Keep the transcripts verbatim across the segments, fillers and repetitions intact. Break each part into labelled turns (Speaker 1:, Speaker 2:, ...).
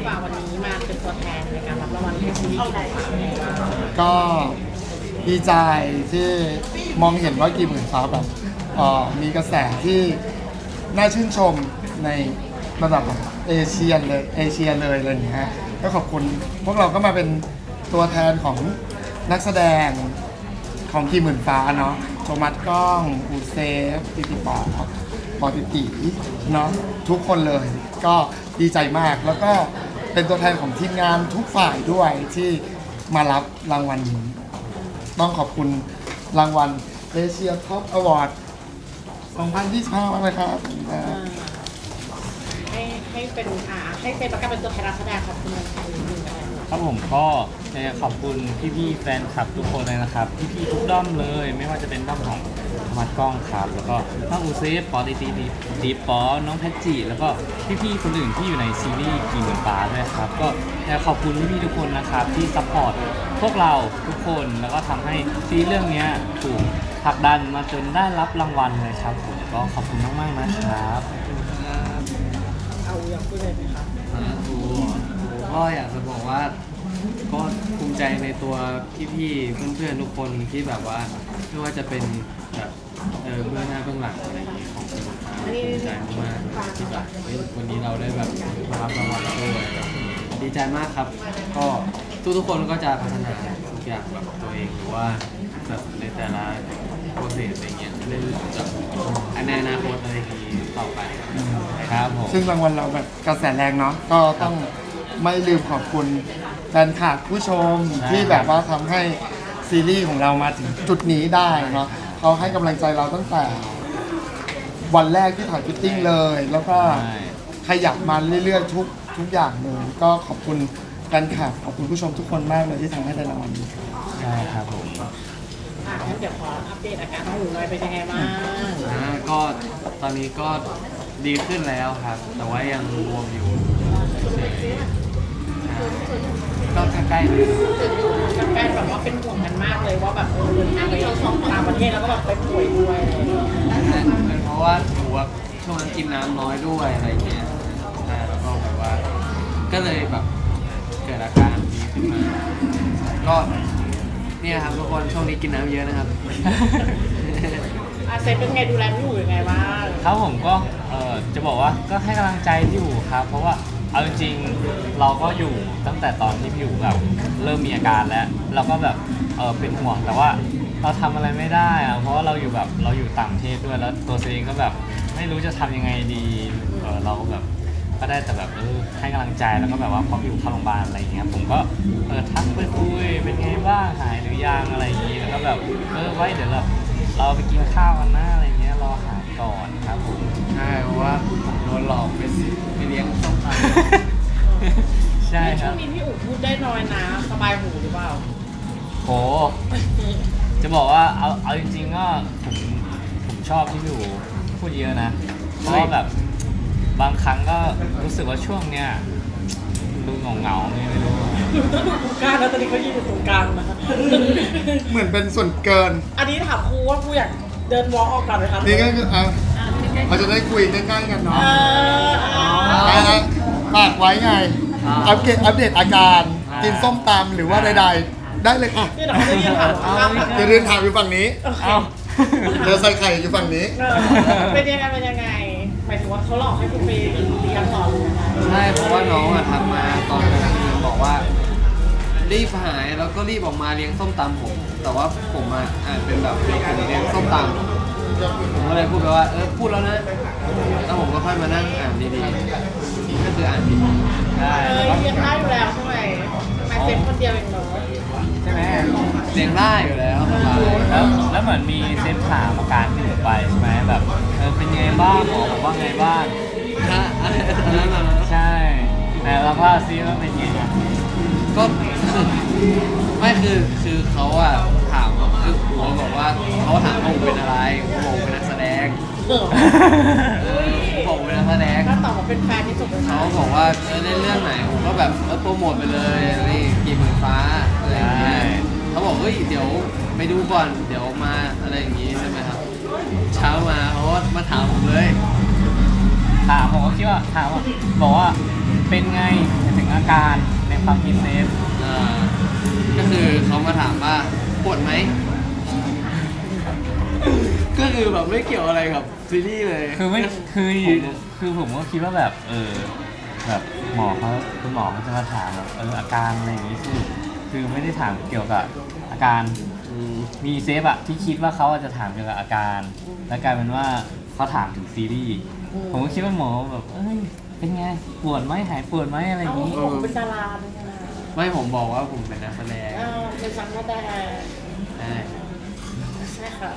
Speaker 1: ฝ่าวันนี้มาเป็นตัวแทนในการรับรางวัลให้ซีรีส์กี่หมื่นฟ้า
Speaker 2: ก็ดีใจที่มองเห็นว่ากี่หมื่นฟ้าแบบเอ่อมีกระแสที่น่าชื่นชมในระดับแบบเอเชียเลยเอเชียเลยอะไรอย่างเงี้ยก็ขอบคุณพวกเราก็มาเป็นตัวแทนของนักแสดงของกี่หมื่นฟ้าเนาะโทมัสก้องอูเซฟปิติปอปอติติเนาะทุกคนเลยก็ดีใจมากแล้วก็เป็นตัวแทนของทีมงานทุกฝ่ายด้วยที่มารับรางวัลนี้ ต้องขอบคุณรางวัลเอเชียท็อปอวอร์ดสองพันยี่สิบห้ามากเลยครับ
Speaker 1: ให้ให้เป็นอ่าให้เป็นประกาศเป็นตัวแทนนักแสดงขอบคุณในไทยหนึ่งอะไร
Speaker 3: ครับผมก็อยากจะขอบคุณพี่ๆแฟนคลับทุกคนเลยนะครับพี่ๆทุกด้อมเลยไม่ว่าจะเป็นด้อมของธรรมะกล้องครับแล้วก็น้องอูเซฟปอตีตีดีดีปอน้องแพทจีแล้วก็พี่ๆคนอื่นที่อยู่ในซีรีส์กี่หมื่นฟ้าด้วยครับก็อยากขอบคุณพี่ๆทุกคนนะครับที่ซัพพอร์ตพวกเราทุกคนแล้วก็ทำให้ซีรีส์เรื่องนี้ถูกผลักดันมาจนได้รับรางวัลเลยครับผมก็ขอบคุณมากๆนะครับ
Speaker 1: เอาอยากพูดอะไรไหมคะ
Speaker 4: กูก็อยากจะบอกว่าก็ภูมิใจในตัวพี่ๆเพื่อนๆทุกคนที่แบบว่าไม่ว่าจะเป็นแบบเออเบื้องหน้าเบื้องหลังอะไรอย่างเงี้ยของคุณลูกค้าภูมิใจมากๆที่แบบเฮ้ยวันนี้เราได้แบบมารับรางวัลด้วยดีใจมากครับ ก็ทุกๆคนก็จะพัฒนาทุกอย่างแบบตัวเองหรือว่าแบบในแต่ละโปรเซสอะไรเงี้ยเรื่อยๆจากในอนาคตอะไรอย่างงี้ต่อไป
Speaker 3: ครับผม
Speaker 2: ซึ่งรางวัลเราแบบกระแสแรงเนาะก็ต้องไม่ลืมขอบคุณแฟนคลับผู้ชมที่แบบว่าทำให้ซีรีส์ของเรามาถึงจุดนี้ได้เนาะเขาให้กำลังใจเราตั้งแต่วันแรกที่ถ่ายฟิตติ้งเลย แล้วก็ขยับมาเรื่อยๆทุกทุกอย่างเลยก็ขอบคุณแฟนคลับขอบคุณผู้ชมทุกคนมากเลยที่ทำให้ได้รางวัลนี้
Speaker 3: ใช่ครับผม
Speaker 1: อ่างั้นเดี๋ยวขออัปเดตอาการน้องหนูหน่อยเป็นยังไงบ้าง
Speaker 4: อ่าก็ตอนนี้ก็ดีขึ้นแล้วครับ แต่ว่ายังบวมอยู่เฉยๆก็ใกล้ๆเลย
Speaker 1: แฟนๆแบบว่าเป็นห่วงกันมากเลยว่าแบบเออเดินทางไปต่างประเทศแล้วก็แบบไปป่วยด้วยอะไรอย่างเงี้ย
Speaker 4: เป็นเพราะว่าหัวช่วงนั้นกินน้ำน้อยด้วยอะไรเงี้ยใช่แล้วก็แบบว่า ก็เลยแบบเกิดอาการนี้ขึ้นมา ก็เนี่ยครับทุกคนช่วงนี้กินน้ำเยอะนะครับ
Speaker 1: อาเซฟเป็นไงดูแลพี่หนูยังไงบ้าง
Speaker 3: ครับผมก็เออจะบอกว่าก็ให้กำลังใจพี่อยู่ครับ เพราะว่าเอาจริงๆเราก็อยู่ตั้งแต่ตอนที่พี่อยู่แบบเริ่มมีอาการแล้วเราก็แบบเออเป็นห่วงแต่ว่าเราทำอะไรไม่ได้อะเพราะว่าเราอยู่แบบเราอยู่ต่างประเทศด้วยแล้วตัวเองก็แบบไม่รู้จะทำยังไงดีเออเราก็แบบก็ได้แต่แบบเออให้กำลังใจแล้วก็แบบว่าพออยู่เข้าโรงพยาบาลอะไรอย่างเงี้ยผมก็เออทักไปคุยเป็นไงบ้างหายหรือยังอะไรอย่างงี้แล้วก็แบบเออไว้เดี๋ยวเราเราไปกินข้าวกันนะอะไรเงี้ยรอหายก่อนครับผม
Speaker 4: ใช่เพราะว่าผมโดนหลอกไปซื้อไปเลี้ยงส้มตำ
Speaker 3: ใช่ค
Speaker 1: ช่
Speaker 3: รั
Speaker 1: ว
Speaker 3: บ
Speaker 1: งนี้พี่อุ๋พูดได้น้อยนะสบายหูหรือเปล่า
Speaker 3: โห จะบอกว่าเอาเอาจริงๆก็ผมผมชอบที่พี่อู๋พูดเยอะนะ เพราะว่าแบบบางครั้งก็รู้สึกว่าช่วงเนี้ยดูเหงาเหงาๆไงไม่รู้อะ
Speaker 1: หนูต้องดูตรงกลางแล้วตอนนี้เขายืนอยู่ตรงกลางนะ
Speaker 2: เหมือนเป็นส่วนเกิน
Speaker 1: อันนี้ถามครูว่าครูอยากเดินวอล์กออกก่อนไหมคะ
Speaker 2: นี่ก็คืออ่ะเราจะได้คุยใกล้ๆกันเนาะ
Speaker 1: เอออ่า
Speaker 2: อ่ะฝากไว้ไง อัปเดตอัปเดตอาการ กินส้มตำหรือว่าใดๆ ได้เลยค่ะ
Speaker 1: นี่เดี๋ยวเขาจะยืนถามว่า
Speaker 2: เดี๋ยวเดินถามอยู่ฝั่งนี้
Speaker 1: โอเค
Speaker 3: เอ้า
Speaker 2: เดี๋ยวใส่ไข่อยู่ฝั่งนี้
Speaker 1: เออเป็นยังไงเป็นยังไงหมายถึงว่าเขาหลอกให้คุณไปเลี้ยงหรอหรือยังไง
Speaker 4: ใช่เพราะว่าน้องอะทักมาตอนกลางคืนบอกว่า รีบหายแล้วก็รีบออกมาเลี้ยงส้มตำผม แต่ว่าผมอะอ่านเป็นแบบเด็กผมเลี้ยงส้มตำผมก็เลยพูดไปว่าเออพูดแล้วนะแล้วผมก็ค่อยมานั่งอ่านดีๆก็คืออ่านผิด
Speaker 3: ได้
Speaker 1: เออ
Speaker 3: แล้วก็
Speaker 1: เลี้ยงได้อยู่แล้วใช่ไหมทำไมเซฟคนเดียวเองเนาะ
Speaker 3: ใช่ไหม
Speaker 4: เลี้ยงได้อยู่แล้วสบาย
Speaker 3: แล้วแล้วเหมือนมีเซฟถามอาการที่หนูไปใช่ไหมแบบเออเป็นไงบ้างหมอบอกว่าไงบ้าง
Speaker 4: ถ้าอะไรตอนนั้นอะ
Speaker 3: ใช่แต่เราพาซีว่าเป็นไงอะ
Speaker 4: ก็ไม่คือคือเขาอะถามคือหัวบอกว่าเขาถามว่าผมเป็นอะไรผมบอกผมเป็นนักแสดง
Speaker 1: เออ
Speaker 4: ผมบอกผมเป็นนักแสดง
Speaker 1: ก็ตอบว่าเป็นแฟนที่สุดเลย
Speaker 4: เขาบอกว่าเออเล่นเรื่องไหนผมก็แบบเออโปรโมทไปเลยนี่กี่หมื่นฟ้าอะไรอย่างเงี้ยเขาบอกเฮ้ยเดี๋ยวไปดูก่อนเดี๋ยวมาอะไรอย่างงี้ใช่ไหมครับ เช้ามาเขาก็มาถามผมเลย
Speaker 3: ถามผมก็คิดว่าถามว่าบอกว่าเป็นไงถึงอาการในความคิดเซฟ
Speaker 4: อ่าก็คือเขามาถามว่าปวดไหม ก็คือแบบไม่เกี่ยวอะไรกับซีรีส์เลย
Speaker 3: คือไม่คือ
Speaker 4: ผม
Speaker 3: คือผมก็คิดว่าแบบเออแบบหมอเขาคุณหมอเขาจะมาถามแบบเอออาการอะไรอย่างงี้คือคือไม่ได้ถามเกี่ยวกับอาการ
Speaker 4: อืม
Speaker 3: มีเซฟอะที่คิดว่าเขาจะถามเกี่ยวกับอาการ แล้วกลายเป็นว่าเขาถามถึงซีรีส์ผมก็คิดว่าหมอแบบเอ้ยเป็นไงปวดไหมหายปวดไหมอะไรอย่าง
Speaker 1: เอ้า
Speaker 3: งี้
Speaker 1: ผมเป็นดาราเป็นไงล่ะ
Speaker 4: ไม่ผมบอกว่าผมเป็นนักแสดง
Speaker 1: เอ้าเป็นสังกัดแต่
Speaker 4: ใช่
Speaker 1: ใช่ค่ะ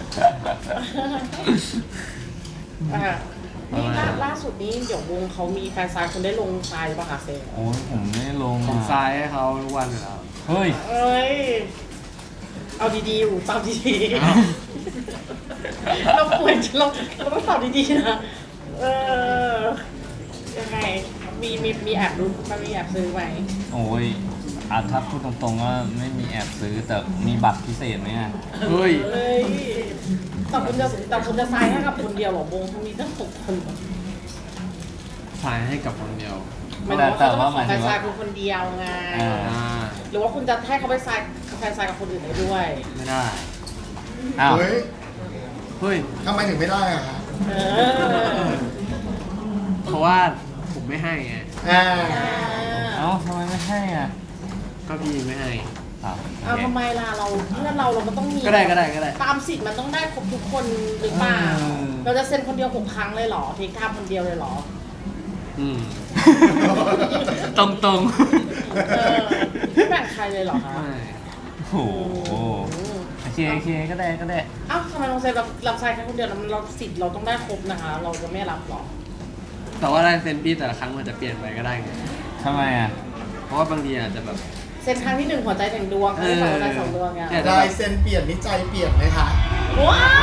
Speaker 1: อ่ะนี่ล่าล่าสุดนี้เดี๋ยววงเขามีแฟนซายคุณได้ลงทรายป่ะคะเซน
Speaker 3: โอ้ยผมไม่ได้ลง
Speaker 4: ผม
Speaker 3: อะ
Speaker 4: ซ้ายให้เขาทุกวันอยู่แล้ว
Speaker 3: เฮ้ย
Speaker 1: เอ้ย เอาดีๆอยู่ตอบดี
Speaker 4: อ้าว
Speaker 1: ๆเราควรจะเราเราต้องตอบดีๆนะ เออ ยังไง มีมีมีแอบรู้มันมีแอบซื้อไหม
Speaker 3: โอ้ยอ่ะถ้าพูดตรงๆว่าไม่มีแอบซื้อแต่มีบัตรพิเศษไหมอะ
Speaker 4: เฮ้ย
Speaker 1: เอ้ยแต่คุณจะแต่คุณจะทรายให้กับคนเดียวเหรอวงเขามีตั้งหกคนเหรอ
Speaker 4: ซ้ายให้กับคนเดียว
Speaker 1: หมายถึงว่าเขาจะมาขอแฟนซายคุณคนเดียวไง
Speaker 3: อ่า
Speaker 4: อ่า
Speaker 1: หรือว่าคุณจะให้เขาไปทรายแฟนซายกับคนอื่นได้ด้วย
Speaker 4: ไม่ได้
Speaker 3: อ้าว
Speaker 2: เฮ้ย
Speaker 4: เฮ้ย
Speaker 2: ทำไมถึงไม่ได้อะครับ
Speaker 1: เออ
Speaker 4: เพราะว่าผมไม่ให้ไง
Speaker 2: อ่า
Speaker 3: เอ้าทำไมไม่ให้อ่ะ
Speaker 4: ก็พี่ไม่ให้
Speaker 3: อ้าวโอ
Speaker 1: เอา
Speaker 3: เค
Speaker 1: ทำไมล่ะเราเพื่อนเราเราก็ต้องมี
Speaker 4: ก็ได้ก็ได้ก็ได้
Speaker 1: ตามสิทธิ์มันต้องได้ครบทุกคนหรือเปล่า
Speaker 3: อืม
Speaker 1: เราจะเซ็นคนเดียวหกครั้งเลยเหรอเทคไทม์คนเดียวเลยเหรอ
Speaker 4: อืม ตรงตรง
Speaker 1: เออไม่แบ่งใครเลยเหรอคะ
Speaker 4: ไม่
Speaker 3: โอ้โหโอเคโอเคก็ได้ก็ได้
Speaker 1: เอ้าทำไมเราเซ็นรับรับทรายแค่คนเดียวแล้วมันเราสิทธิ์เราต้องได้ครบนะคะ เราจะไม่รับหรอ
Speaker 4: แต่ว่าลายเซ็นพี่แต่ละครั้งมันจะเปลี่ยนไปก็ได้ไง
Speaker 3: ทำไมอ่ะ
Speaker 4: เพราะว่าบางทีอาจจะแบบ
Speaker 1: เซ็นครั้งที่หนึ่งหัวใจหนึ่งดวงครั้งที่สองหัวใจสองดวงไง
Speaker 4: เออ
Speaker 2: ลายเซ็นเปลี่ยนนิจใจเปลี่ยนไหมคะ
Speaker 1: ว้าว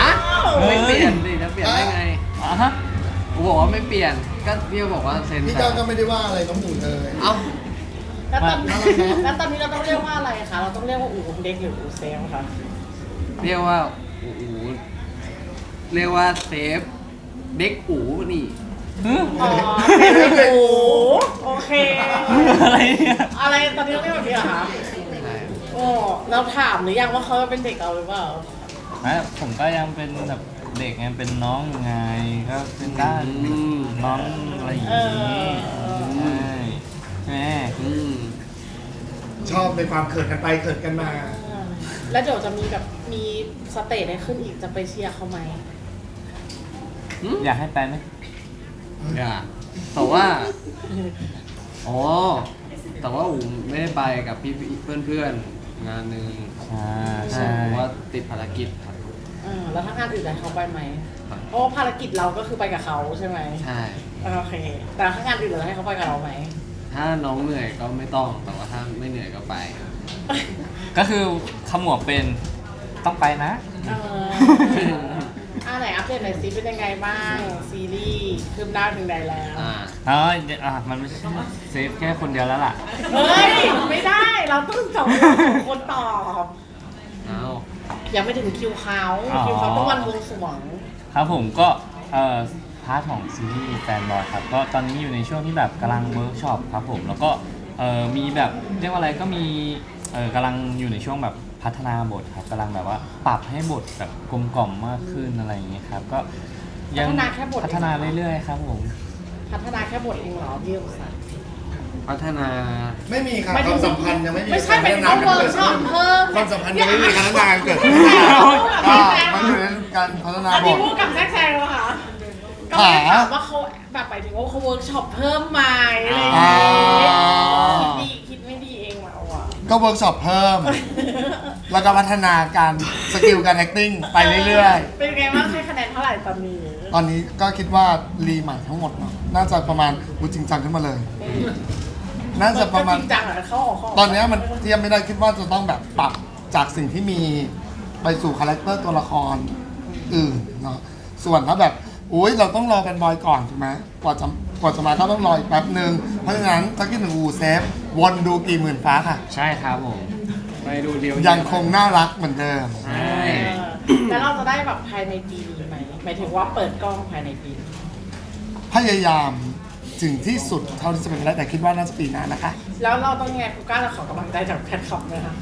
Speaker 4: ไม่เปลี่ยนดิจะเปลี่ยนได้ไง
Speaker 3: อ๋อฮะ
Speaker 4: ผมบอกว่าไม่เปลี่ยน ก็พี่ก็บอกว่าเซ็น
Speaker 2: พี่ก้าวก็ไม่ได้ว่าอะไรน้องหมูเลย
Speaker 4: เอ้า
Speaker 1: แล้วตอนแล้วตอนนี้เราต้องเรียกว่าอะไรคะเราต้องเรียกว่าอู่เด็กหรืออู่เซลคะ
Speaker 4: เรียกว่าโอ้โหเรียกว่าเซฟเด็กอูนี่
Speaker 1: อ๋อเซลล์อู่โอเค
Speaker 3: อะไรเนี่ย
Speaker 1: อะไรตอนนี้เราเรียกแบบนี้เหรอคะ
Speaker 4: ใช่
Speaker 1: โอ้เราถามหรือยังว่าเขาเป็นเด็กเราหรือเปล่า
Speaker 3: ไม่ผมก็ยังเป็นแบบเด็กไงเป็นน้องอยู่ไงก็เป็นได้
Speaker 4: อืม
Speaker 3: น้องอะไรอย่าง
Speaker 1: เอ
Speaker 3: งี้
Speaker 1: อ
Speaker 3: ใช่ใช่ไหม
Speaker 4: อืม
Speaker 2: ชอบในความเขินกันไปเขินกันมา
Speaker 1: แล้วเดี๋ยวจะมีแบบมีสเตจให้ขึ้นอีกจะไปเชียร์เขาไหม
Speaker 3: อยากให้ไปไหม
Speaker 4: อย่าแต่ว่า อ๋อ แต่ว่าอูไม่ได้ไปกับพี่เพื่อนเพื่อนๆงานหนึ่ง
Speaker 3: อ่า
Speaker 4: ใช่
Speaker 3: ใช่
Speaker 4: เพราะว่าติดภารกิจครับ
Speaker 1: เออแล้วถ้างานอื่นจะให้เขาไปไหม
Speaker 4: ครับ
Speaker 1: เพราะว่าภารกิจเราก็คือไปกับเขาใช่ไหม
Speaker 4: ใช่
Speaker 1: โอเค แต่ถ้างานอื่นเราให้เขาไปกับเราไหม
Speaker 4: ถ้าน้องเหนื่อยก็ไม่ต้อง แต่ว่าถ้าไม่เหนื่อยก็ไป
Speaker 3: ก็คือขมวดเป็นต้องไปนะ
Speaker 1: เอออ่าไหนอัปเดตหน่อยซิเป็นยังไงบ้างซีรีส์คืบหน้าถึงใดแล้ว
Speaker 4: อ่า
Speaker 3: อ๋ออ่ะมันไม่ใช่เซฟแค่คนเดียวแล้วล่ะ
Speaker 1: เฮ้ย ไม่ได้เราต้องสองคนตอบ
Speaker 4: เอา
Speaker 1: ยังไม่ถึงคิวเขา
Speaker 3: อ๋อ
Speaker 1: คิวเขาต้องวันบวงสรวง
Speaker 3: ครับผมก็เอ่อพาร์ทของซีรีส์แฟนบอยครับก็ตอนนี้อยู่ในช่วงที่แบบกำลังเวิร์กช็อปครับผมแล้วก็เอ่อมีแบบเรียกว่าอะไรก็มีเอ่อกำลังอยู่ในช่วงแบบพัฒนาบทครับกำลังแบบว่าปรับให้บทแบบกลมกล่อมมากขึ้นอะไรอย่างเงี้ยครับก็ยัง
Speaker 1: พัฒนาแค่บท
Speaker 3: พัฒนาเรื่อยๆครับผม
Speaker 1: พัฒนาแค่บทเองเหรอพี่อุสัน
Speaker 4: พัฒนา
Speaker 2: ไม่มีค่ะ
Speaker 1: หมาย
Speaker 2: ค
Speaker 1: ถึ
Speaker 2: วาง มสัมพันธ์ยังไม่มี
Speaker 1: ไม่ใช่หมายถึงว่าเวิร์กช็อปเพิ่ม
Speaker 2: ความสัมพันธ์ยังไม่มีการพัฒนาเกิดขึ้น
Speaker 1: ไม่ใช่
Speaker 2: อ่ามันอยู่ในการพัฒนา
Speaker 1: อัน
Speaker 2: บ
Speaker 1: นี้
Speaker 2: ท
Speaker 1: พูดกับแซกแซงแล้วค่ะก็เลยถามว่าเขาแบบไปถึงว่าเขาเวิร์กช็อปเพิ่มไหมอะไรอย่าง
Speaker 2: อ่า
Speaker 1: เงี้ยคิดดีคิดไม่ดีเองมาเอาอ่ะ
Speaker 2: ก็เวิร์กช็อปเพิ่ม แล้วก็พัฒนาการสกิลการ acting ไปเรื่อย
Speaker 1: เป็นไงบ้างให้คะแนนเท่าไหร่ตอนนี้
Speaker 2: ๆ ตอนนี้ก็คิดว่ารีใหม่ทั้งหมดเนอะน่าจะประมาณอูจริงจังขึ้นมาเลย น่าจะประมาณ
Speaker 1: จริงจังอ่ะเข้าออกเข้าออก
Speaker 2: ตอนเนี้ยมันเทียบไม่ได้คิดว่าจะต้องแบบปรับจากสิ่งที่มีไปสู่คาแรคเตอร์ตัวละครอื่นเนาะส่วนถ้าแบบอุ้ยเราต้องรอกันบอยก่อนถูกไหมกว่าจะกว่าจะมาก็ต้องรออีกแป๊บหนึ่งเพราะฉะนั้นถ้าคิดถึงอูเซฟวนดูกี่หมื่นฟ้าค่ะ
Speaker 3: ใช่ครับผม
Speaker 4: ไปดูเดียว
Speaker 2: ยังคงน่ารักเหมือนเดิม
Speaker 4: ใช่
Speaker 1: เออแล้วเราจะได้แบบภายในปีนี้ไหมหมายถึงว่าเปิดกล้องภายในปีนี้
Speaker 2: พยายามถึงที่สุดเท่าที่จะเป็นไปได้แต่คิดว่าน่าจะปีหน้านะคะ
Speaker 1: แล้วเราต้องไงกูกล้าจะขอกำลังใจจากแฟนคลับไหมคะ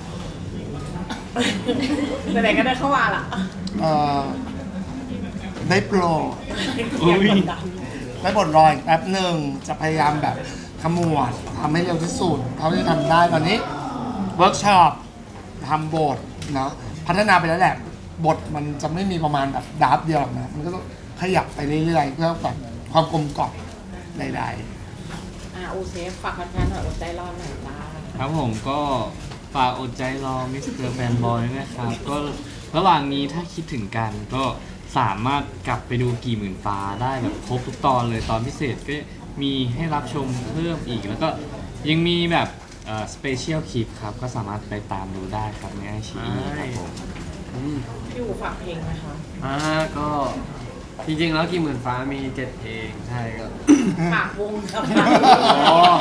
Speaker 1: ไหนๆก็ได้เข้ามาละ
Speaker 2: เอ่อได้โปรด
Speaker 1: อยากกดดัน
Speaker 2: ได้บทรออีกแป๊บหนึ่งจะพยายามแบบขมวดทำให้เร็วที่สุดเท่าที่ทำได้ตอนนี้เวิร์กช็อปทำบทเนาะพัฒนาไปแล้วแหละบทมันจะไม่มีประมาณแบบดราฟต์เดียวหรอกนะมันก็ต้องขยับไปเรื่อยๆเพื่อแบบความกลมกล่อมใด
Speaker 1: อ่าอูเซฟฝากแฟนๆหน่อยอดใจรอหน่อยจ้า
Speaker 4: ครับผมก็ฝากอดใจรอมิสเตอร์แฟนบอยนะครับ ก็ระหว่างนี้ถ้าคิดถึงกันก็สามารถกลับไปดูกี่หมื่นฟ้าได้แบบครบทุกตอนเลยตอนพิเศษก็มีให้รับชมเพิ่มอีก แล้วก็ยังมีแบบสเปเชียลคลิปครับ ก็สามารถไปตามดูได้ครับในไอชีครับผมอืม
Speaker 1: พี่อูฝากเพลงไหมคะ
Speaker 4: อ่าก็จริงๆแล้วกี่หมื่นฟ้ามีเจ็ดเพลงใช่ก็
Speaker 1: ฝากวงครับ
Speaker 4: อ๋อ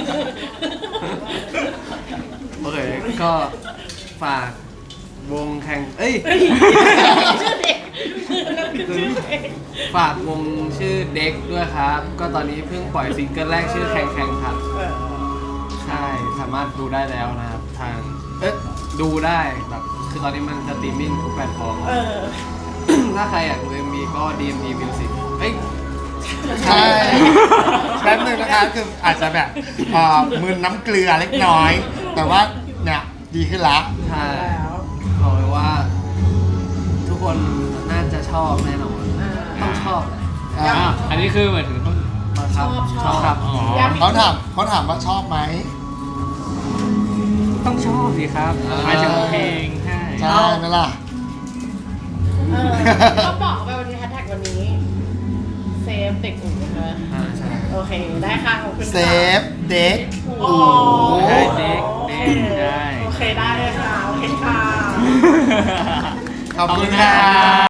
Speaker 4: โอเคก็ฝากวงแข่งเอ้ย
Speaker 1: ชื่อเด็กนั่นคือชื่อเพลง
Speaker 4: ฝากวงชื่อเด็กด้วยครับ ก็ตอนนี้เพิ่งปล่อยซิงเกิลแรกชื่อแข่งแข่งครับ
Speaker 1: เออ
Speaker 4: ใช่สามารถดูได้แล้วนะครับ ทาง เอ๊ะดูได้แบบคือตอนนี้มันสตรีมมิ่งทุกแพลตฟอร์ม
Speaker 1: เออ
Speaker 4: ถ้าใครอยากดู เอ็ม วี ก็ ดี เอ็ม ดี Music เอ้ย
Speaker 2: ๆใช่แป๊บหนึงนะคะคืออาจจะแบบเอ่อมึนน้ำเกลือเล็กน้อย แต่ว่าเนี่ยดีขึ้นละ
Speaker 4: ใช่
Speaker 1: แล้ว
Speaker 4: บอกเลยว่า ทุกคนน่าจะชอบแน่นอน
Speaker 1: อ่า
Speaker 4: ต้องชอบแหละ
Speaker 2: อ่ะ
Speaker 3: อ่ะอันนี้คือหมายถึงต้อง
Speaker 4: บังคับ
Speaker 1: ชอบ
Speaker 4: ครับ
Speaker 3: อ๋อ
Speaker 1: ย้ำอีก
Speaker 2: เขาถามเขาถามว่าชอบไหม
Speaker 3: ต้องชอบสิครับ
Speaker 2: อ่า
Speaker 3: หมายถึงเพลงใช่
Speaker 2: ใช่ไหมล่ะ
Speaker 1: เออก็บอกไปวันนี้แฮชแท็กวันนี้ เซฟเด็กอุ่นใช่ไหม
Speaker 4: อ่าใช่
Speaker 1: โอเค ได้ค่ะขอบคุณค่ะ
Speaker 2: เซฟเด็ก
Speaker 1: อ๋อ
Speaker 3: ได้เด็กเด็กได้
Speaker 1: โอเคได้เลยค่ะ โอเคค่ะ
Speaker 2: ขอบคุณค่ะ